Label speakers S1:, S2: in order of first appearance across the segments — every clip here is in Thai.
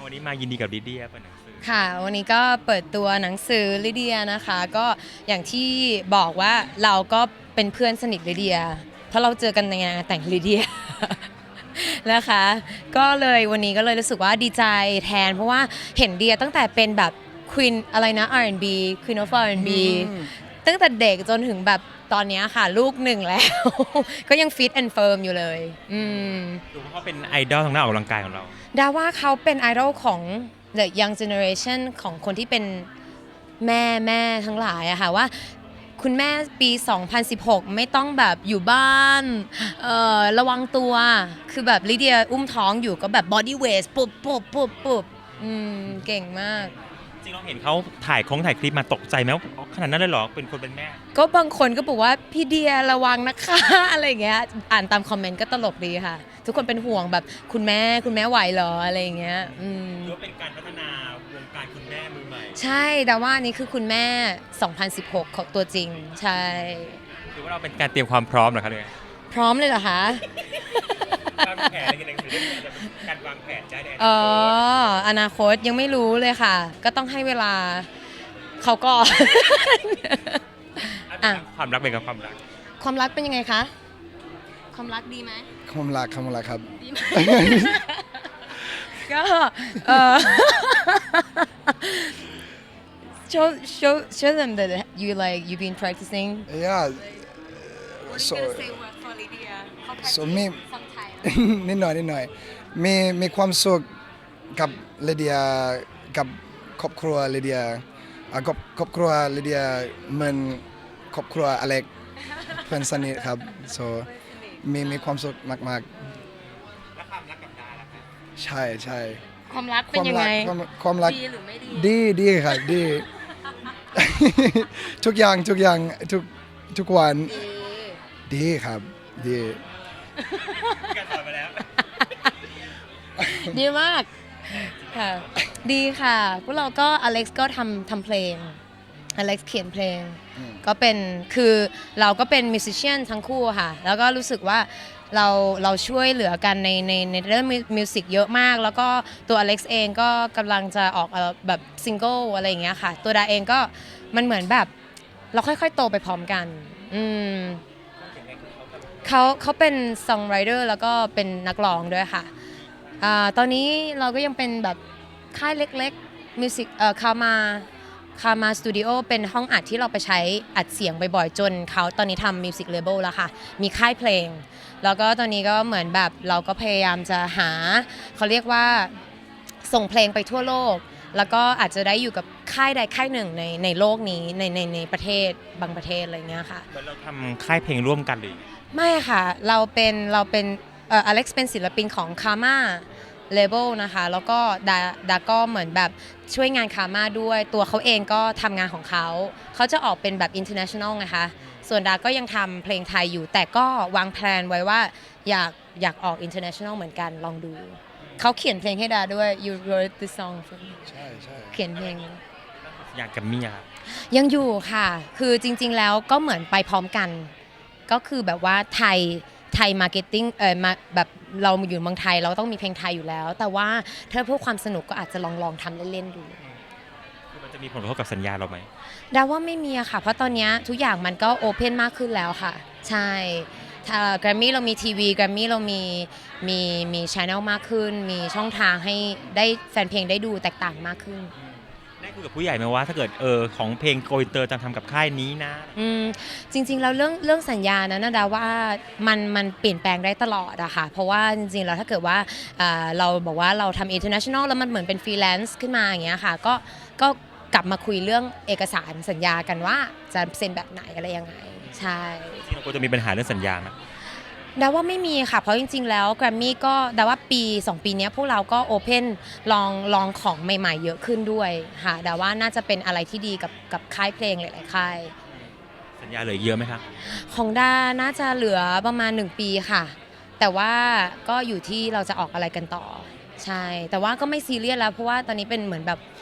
S1: วันนี้มายินดีกับลิเดียเปิดหนังสือ
S2: ค่ะวันนี้ก็เปิดตัวหนังสือลิเดียนะคะก็อย่างที่บอกว่าเราก็เป็นเพื่อนสนิทลิเดียเพราะเราเจอกันในงานแต่งลิเดีย นะคะก็เลยวันนี้ก็เลยรู้สึกว่าดีใจแทนเพราะว่าเห็นเดียตั้งแต่เป็นแบบ Queen อะไรนะ R&B Queen of R&B ตั้งแต่เด็กจนถึงแบบตอนนี้ค่ะลูกหนึ่งแล้ว ก็ยังฟิตแอนด์เฟิร์มอยู่เลย
S1: ดูว่าเขาเป็นไอดอลทางด้านออกกำลังกายของเรา
S2: ดาว่าเขาเป็นไอดอลของ The Young Generation ของคนที่เป็นแม่ทั้งหลายอะค่ะว่าคุณแม่ปี 2016 ไม่ต้องแบบอยู่บ้านระวังตัวคือแบบลิเดียอุ้มท้องอยู่ก็แบบ body weight ปุ๊บเก่งมาก
S1: จริงเราเห็นเขาถ่ายคลิปมาตกใจไหมว่าขนาดนั้นเลยเหรอเป็นคนเป็นแม่
S2: ก็บางคนก็บอกว่าพี่เดียระวังนะคะ อะไรอย่างเงี้ยอ่านตามคอมเมนต์ก็ตลกดีค่ะทุกคนเป็นห่วงแบบคุณแม่ไหวเหรออะไรอย่างเงี้ย
S1: หรือว่าเป็นการพัฒนาวงการคุณแม่มือใหม่
S2: ใช่แต่ว่านี่คือคุณแม่ 2016 ของตัวจริงใช่
S1: หรือว่าเราเป็นการเตรียมความพร้อมเหรอคะเนี่ย
S2: พร้อมเลยเหรอคะ
S1: วางแผนอะไรกันหนังสือเรื่องนี้จะเป็นการวางแผนใช่ไหม
S2: อนาคตยังไม่รู้เลยค่ะก็ต้องให้เวลาเขาก็
S1: ความรักเป็นกับความรัก
S2: เป็นยังไงคะความรักดีไหม
S3: ความรักครับ
S2: ดีไหมก็show them that you've been practicing
S3: yeah so me นิดหน่อยมีความสุขกับลิเดียกับครอบครัวลิเดียกับครอบครัวลิเดียเหมือนครอบครัวอเล็กเพื่อนสนิทครับ so มีความสุขมาก
S1: ๆแล้วความรักกับดาล่ะครับ
S3: ใช่
S2: ความรักเป็นยังไง
S3: ความรัก
S2: ดีหรือไม่ดี
S3: ดีครับดี ทุกอย่างทุกวันดีครับดี
S1: การสอนไปแล้ว
S2: ดีมากค่ะดีค่ะพวกเราก็อเล็กซ์ก็ทำเพลงอเล็กซ์เขียนเพลงก็เป็นคือเราก็เป็นมิวสิชเชียนทั้งคู่ค่ะแล้วก็รู้สึกว่าเราช่วยเหลือกันในเรื่องมิวสิกเยอะมากแล้วก็ตัวอเล็กซ์เองก็กำลังจะออกแบบซิงเกิลอะไรอย่างเงี้ยค่ะตัวดาเองก็มันเหมือนแบบเราค่อยๆโตไปพร้อมกันเขาเป็นซองไรเดอร์แล้วก็เป็นนักร้องด้วยค่ะตอนนี้เราก็ยังเป็นแบบค่ายเล็กๆมิวสิกคามาสตูดิโอเป็นห้องอัดที่เราไปใช้อัดเสียงบ่อยๆจนเขาตอนนี้ทำมิวสิกเลเบลแล้วค่ะมีค่ายเพลงแล้วก็ตอนนี้ก็เหมือนแบบเราก็พยายามจะหาเขาเรียกว่าส่งเพลงไปทั่วโลกแล้วก็อาจจะได้อยู่กับค่ายใดค่ายหนึ่งในโลกนี้ในประเทศบางประเทศอะไรเงี้ยค่ะ
S1: เหมือนเราทำค่ายเพลงร่วมกันเลย
S2: ไม่ค่ะเราเป็นอเล็กซ์เป็นศิลปินของคาม่าเลเบลนะคะแล้วก็ดาก็เหมือนแบบช่วยงานคาม่าด้วยตัวเขาเองก็ทำงานของเขาจะออกเป็นแบบ international นะคะส่วนดาก็ยังทำเพลงไทยอยู่แต่ก็วางแผนไว้ว่าอยากออก international เหมือนกันลองดูเขาเขียนเพลงให้ดาด้วย you wrote the song for me
S3: ใช่
S2: เขียนเพลง
S1: อยากกับเมีย
S2: ยังอยู่ค่ะคือจริงๆแล้วก็เหมือนไปพร้อมกันก็คือแบบว่าไทยมาร์เก็ตติ้งมาแบบเราอยู่เมืองไทยเราต้องมีเพลงไทยอยู่แล้วแต่ว่าถ้าเพื่อความสนุกก็อาจจะลองทำเล่นๆดู
S1: คือมันจะมีผลกระทบกับสัญญาเราไหม
S2: ดาว่าไม่มีอะค่ะเพราะตอนนี้ทุกอย่างมันก็โอเพนมากขึ้นแล้วค่ะใช่แกรมมี่เรามีทีวีแกรมมี่เรามีช่องมากขึ้นมีช่องทางให้ได้แฟนเพลงได้ดูแตกต่างมากขึ้น
S1: ได้คุยกับผู้ใหญ่ไหมว่าถ้าเกิดของเพลงโกอินเตอร์จะทำกับค่ายนี้นะ
S2: จริงๆแล้วเรื่องสัญญานะดาว่ามันเปลี่ยนแปลงได้ตลอดอะค่ะเพราะว่าจริงๆแล้วถ้าเกิดว่าเราบอกว่าเราทำ international แล้วมันเหมือนเป็นฟรีแลนซ์ขึ้นมาอย่างเงี้ยค่ะก็กลับมาคุยเรื่องเอกสารสัญญากันว่าจะเซ็นแบบไหนอะไรยังไงใช่
S1: จริงๆเราควรจะมีปัญหาเรื่องสัญญานะ
S2: ดาว่าไม่มีค่ะเพราะจริงๆแล้วแกรมมี่ก็ดาว่า2 ปีนี้พวกเราก็โอเพนลองของใหม่ๆเยอะขึ้นด้วยค่ะดาว่าน่าจะเป็นอะไรที่ดีกับค่ายเพลงหลายๆค่าย
S1: สัญญาเหลือเยอะไหมคะ
S2: ของดาน่าจะเหลือประมาณ1 ปีค่ะแต่ว่าก็อยู่ที่เราจะออกอะไรกันต่อใช่แต่ว่าก็ไม่ซีเรียสแล้วเพราะว่าตอนนี้เป็นเหมือนแบบ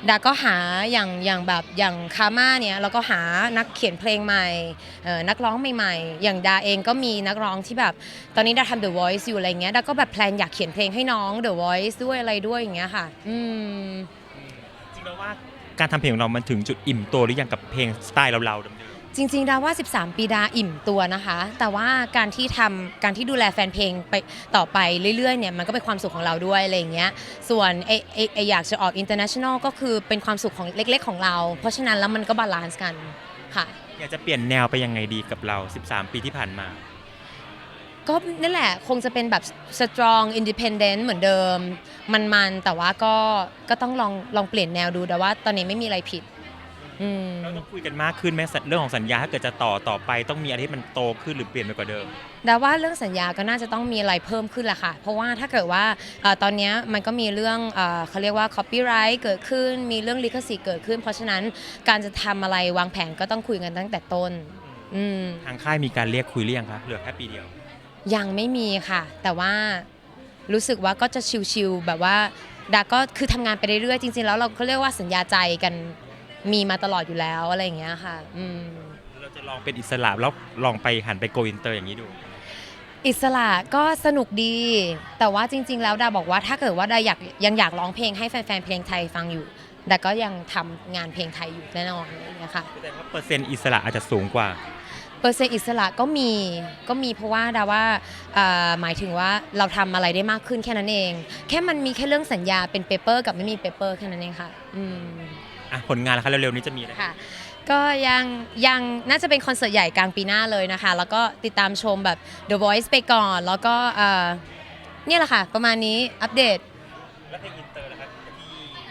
S2: ดาก็หาอย่างแบบอย่างคาม่าเนี่ยเราก็หานักเขียนเพลงใหม่นักร้องใหม่ๆอย่างดาเองก็มีนักร้องที่แบบตอนนี้ดาทำ The Voice อยู่อะไรเงี้ยดาก็แบบแพลนอยากเขียนเพลงให้น้อง The Voice ด้วยอะไรด้วยอย่างเงี้ยค่ะ
S1: จริงแล้วว่าการทำเพลงของเรามันถึงจุดอิ่มตัวหรือยังกับเพลงสไตล์เราๆเดิม
S2: จริงๆดาว่า 13 ปีดาอิ่มตัวนะคะ แต่ว่าการที่ดูแลแฟนเพลงไปต่อไปเรื่อยๆเนี่ยมันก็เป็นความสุขของเราด้วยอะไรอย่างเงี้ยส่วนอยากจะออก international ก็คือเป็นความสุขของเล็กๆของเรา เพราะฉะนั้นแล้วมันก็บาลานซ์กันค่ะ
S1: อยากจะเปลี่ยนแนวไปยังไงดีกับเรา13 ปีที่ผ่านมา
S2: ก็นั่นแหละคงจะเป็นแบบ strong independent เหมือนเดิมมันแต่ว่าก็ต้องลองเปลี่ยนแนวดูแต่ว่าตอนนี้ไม่มีอะไรผิด
S1: เราต้องคุยกันมากขึ้นไหมเรื่องของสัญญาถ้าเกิดจะต่อไปต้องมีอะไรที่มันโตขึ้นหรือเปลี่ยนไปกว่าเดิม
S2: แต่ว่าเรื่องสัญญาก็น่าจะต้องมีอะไรเพิ่มขึ้นแหละค่ะเพราะว่าถ้าเกิดว่าตอนนี้มันก็มีเรื่องเขาเรียกว่า copyright เกิดขึ้นมีเรื่องลิขสิทธิ์เกิดขึ้นเพราะฉะนั้นการจะทำอะไรวางแผนก็ต้องคุยกันตั้งแต่ต้น
S1: ทางค่ายมีการเรียกคุยหรือยังคะเหลือแค่ปีเดียว
S2: ยังไม่มีค่ะแต่ว่ารู้สึกว่าก็จะชิวๆแบบว่าดาก็คือทำงานไปเรื่อยๆจริงๆแล้วเราก็เรียกว่าสัญญาใจกันมีมาตลอดอยู่แล้วอะไรอย่างเงี้ยค่ะ
S1: เราจะลองเป็นอิสระแล้วลองไปหันไปโกอินเตอร์อย่างนี้ดู
S2: อิสระก็สนุกดีแต่ว่าจริงๆแล้วดาบอกว่าถ้าเกิดว่าดายังอยากร้องเพลงให้แฟนๆเพลงไทยฟังอยู่ดาก็ยังทำงานเพลงไทยอยู่แน่นอนอะไรอย่างเงี้ยค่ะ
S1: แสดงว่าเปอร์เซ็นต์อิสระอาจจะสูงกว่า
S2: เปอร์เซ็นต์อิสระก็มีเพราะว่าดาว่าหมายถึงว่าเราทำอะไรได้มากขึ้นแค่นั้นเองแค่มันมีแค่เรื่องสัญญาเป็นเปเปอร์กับไม่มีเปเปอร์แค่นั้นเองค่ะ
S1: ผลงานแล้วคะเร็วๆนี้จะมีอะไร
S2: ค่ะก็ยังน่าจะเป็นคอนเสิร์ตใหญ่กลางปีหน้าเลยนะคะแล้วก็ติดตามชมแบบ The Voice ไปก่อนแล้วก็เนี่ยแหละค่ะประมาณนี้อัปเดต
S1: แล้วเพลงอินเตอร์ล่ะครับที่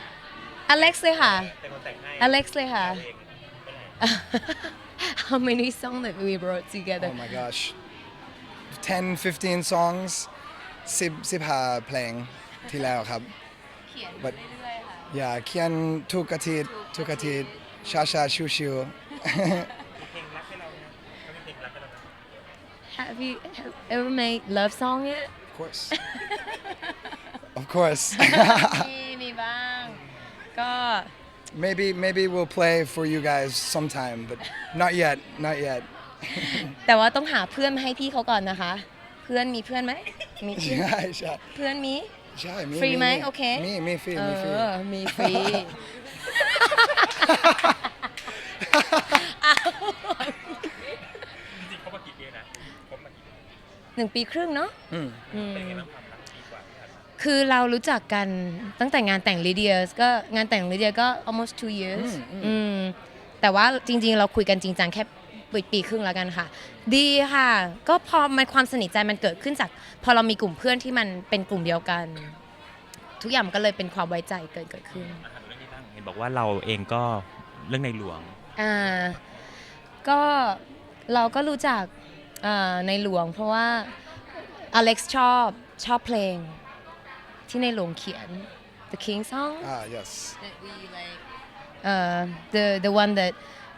S2: Alex เลยค่ะ
S1: เป็นคนแต่งให้
S2: Alex เลยค่ะ How many songs that we wrote together
S3: Oh my gosh 10-15 songs 15 เพลงที่แล้วครับ
S2: เขียนเรื่อยๆค่ะ
S3: อย่าเขียนทุกอาทิตย์ช้าๆชิว
S1: เพลงรักให้เราเนี่ยเขามีเพลงรักให้เรา
S2: Have you ever made love song yet
S3: Of course
S2: มีบ้างก็
S3: Maybe we'll play for you guys sometime but not yet
S2: แต่ว่าต้องหาเพื่อนมาให้พี่เขาก่อนนะคะเพื่อนมีเพื่อนไหมมี
S3: ใช่
S2: เพื่อนมี
S3: ใช่
S2: ฟรีไหมโอเค
S3: มีฟรี
S2: มีฟรี
S1: จริงๆเขามากี่ปีนะเขามากี่
S2: ปี1 ปีครึ่งเนาะคือเรารู้จักกันตั้งแต่งานแต่งลีเดียก็งานแต่งลีเดียก็ almost 2 years แต่ว่าจริงๆเราคุยกันจริงจังแค่ปีครึ่งแล้วกันค่ะดีค่ะก็พอมันความสนิทใจมันเกิดขึ้นจากพอเรามีกลุ่มเพื่อนที่มันเป็นกลุ่มเดียวกันทุกอย่างมันก็เลยเป็นความไว้ใจเกิดขึ้น
S1: เรื่องนี้บ้างเห็นบอกว่าเราเองก็เรื่องในหลวง
S2: ก็เราก็รู้จักในหลวงเพราะว่าอเล็กซ์ชอบเพลงที่ในหลวงเขียน The King song
S3: yes
S2: that we like the one that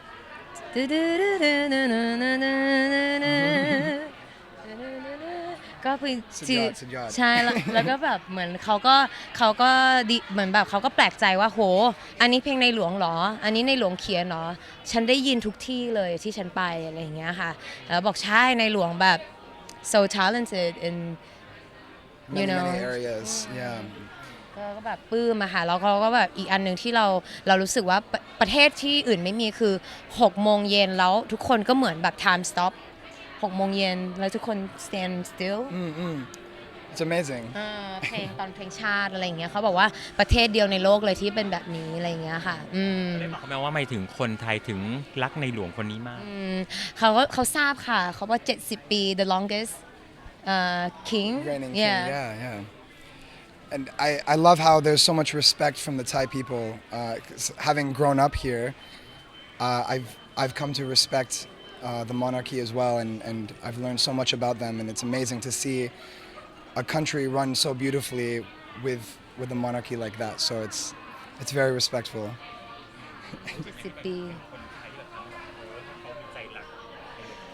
S2: ก็คือใช่แล้วก็แบบเหมือนเขาก็ดีเหมือนแบบเขาก็แปลกใจว่าโหอันนี้เพลงในหลวงเหรออันนี้ในหลวงเขียนเหรอฉันได้ยินทุกที่เลยที่ฉันไปอะไรอย่างเงี้ยค่ะแล้วบอกใช่ในหลวงแบบ so talented in you know
S3: many areas yeah
S2: ก็แบบปลื้มอะค่ะแล้วเขาก็แบบอีกอันหนึ่งที่เรารู้สึกว่าประเทศที่อื่นไม่มีคือ6 โมงเย็นแล้วทุกคนก็เหมือนแบบ time stop 6 โมงเย็นแล้วทุกคน stand still
S3: It's amazing
S2: เพลงตอนเพลงชาติอะไรอย่างเงี้ยเขาบอกว่าประเทศเดียวในโลกเลยที่เป็นแบบนี้อะไรอย่างเงี้ยค่ะ
S1: ได้บอกเขาไหมว่าไม่ถึงคนไทยถึงรักในหลวงคนนี้มาก
S2: เขาทราบค่ะเขาว่า70 ปี the longest king
S3: reigning king yeah And I love how there's so much respect from the Thai people. Having grown up here, I've come to respect the monarchy as well, and I've learned so much about them. And it's amazing to see a country run so beautifully with a monarchy like that. So it's very respectful.
S2: 70 ปี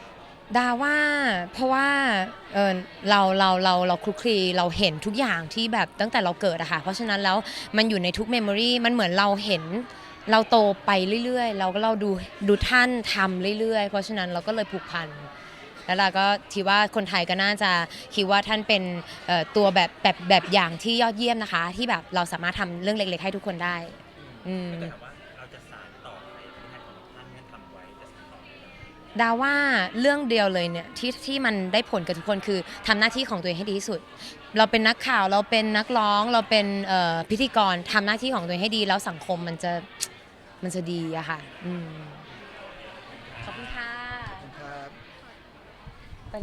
S2: ดาว่าเพราะว่าเราคลุกคลีเราเห็นทุกอย่างที่แบบตั้งแต่เราเกิดอะค่ะเพราะฉะนั้นแล้วมันอยู่ในทุกเมมโมรีมันเหมือนเราเห็นเราโตไปเรื่อยๆเราดูท่านทำเรื่อยๆเพราะฉะนั้นเราก็เลยผูกพันแล้วเราก็คิดว่าคนไทยก็น่าจะคิดว่าท่านเป็นตัวแบบอย่างที่ยอดเยี่ยมนะคะที่แบบเราสามารถทำเรื่องเล็กๆให้ทุกคนได้อืม
S1: ถ้าเกิดว่าเราจะสานต่อในปฏิหารของท่านที่ทำไว้จะสานต่อไหม
S2: ดาว่าเรื่องเดียวเลยเนี่ยที่มันได้ผลกับทุกคนคือทำหน้าที่ของตัวเองให้ดีที่สุด เราเป็นนักข่าวเราเป็นนักร้องเราเป็นพิธีกรทำหน้าที่ของตัวเองให้ดีแล้วสังคมมันจะดีอะค่ะขอบคุณค่ะ